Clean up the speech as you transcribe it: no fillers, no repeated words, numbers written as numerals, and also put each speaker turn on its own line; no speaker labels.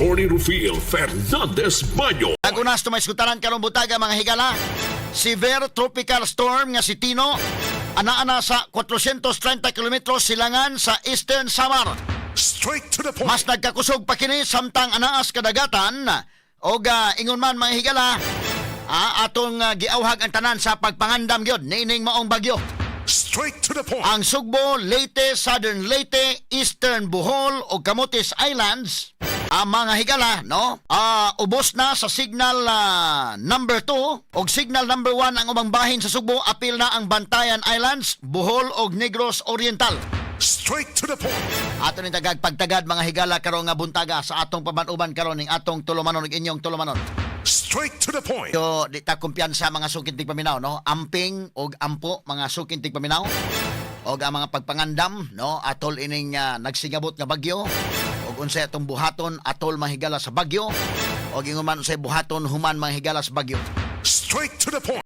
Attorney Rufil Fernandez Baño.
Nagunas tumaysgutanan karong butaga mga higala. Severe tropical storm nga si Tino ana-ana sa 430 kilometros silangan sa Eastern Samar.
Straight to the point.
Mas nagkakusog pa kini samtang anaas kadagatan og ingon man mga higala atong giawhag ang tanan sa pagpangandam gyud niining maong bagyo.
Straight to the point.
Ang Sugbo, Leyte, Southern Leyte, Eastern Bohol o Camotes Islands, ang mga higala, no? Ubos na sa signal number 2 o signal number 1 ang ubang bahin sa Sugbo. Apil na ang Bantayan Islands, Bohol o Negros Oriental.
Straight to the point.
Ato ni tagag pagtagad mga higala karon nga buntaga sa atong pabanuban karon ning atong tulumanon ug inyong tulumanon.
Straight to the point.
So, di ta kumpiyansa mga sukintig paminaw, no? Amping o ampo mga sukintig paminaw. O ang mga pagpangandam, no? Atol ining nagsigabot nga bagyo. O unsay atong buhaton, atol mahigala sa bagyo. O ingon man unsay buhaton human mahigala sa bagyo.
Straight to the point.